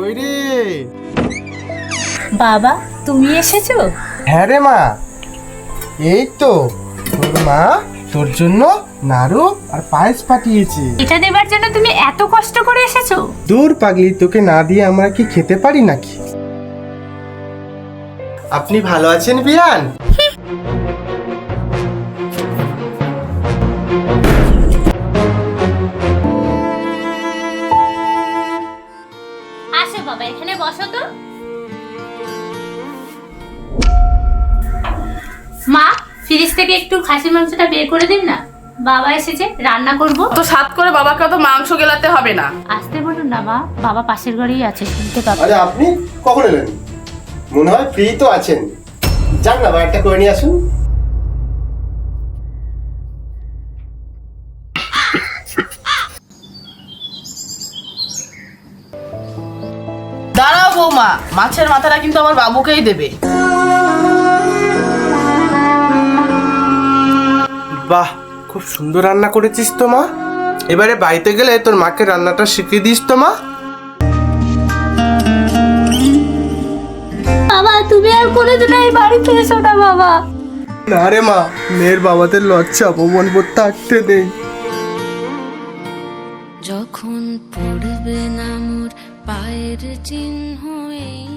কই রে? বাবা তুমি এসেছো? হ্যাঁ রে মা, এই তো তোর মা তোর জন্য নাড়ু আর পায়েস পাঠিয়েছে। এটা দেবার জন্য তুমি এত কষ্ট করে এসেছো? দূর পাগলি, তোকে না দিয়ে আমরা কি খেতে পারি নাকি? আপনি ভালো আছেন বিয়ান? আসো বাবা, এখানে বসো তো। মা, ফ্রিজ থেকে একটু খাসির মাংসটা বের করে দিন না, বাবা এসেছে, রান্না করব। তো সাত করে বাবাকে তো মাংস গেলাতে হবে না। আসতে বলুন না মা, বাবা পাশের ঘরেই আছে, শুনতে পাবো। আরে আপনি কখন এলেন? মনে হয় ফ্রি তো আছেন, যান না একটা করে নিয়ে আসুন। দাঁড়াও বৌমা, মাছের মাথাটা কিন্তু আমার বাবুকেই দেবে। বাহ, খুব সুন্দর রান্না করেছিস তো মা। এবারে বাড়িতে গেলে তোর মাকে রান্নাটা শিখিয়ে দিস তো মা। বাবা তুমি আর কোনোদিন এই বাড়িতে এসো না বাবা। না রে মা, মেয়ের বাবাদের লজ্জা অপমান করতে থাকতে নেই। যখন পড়বে না মোর পায়ের চিহ্ন এই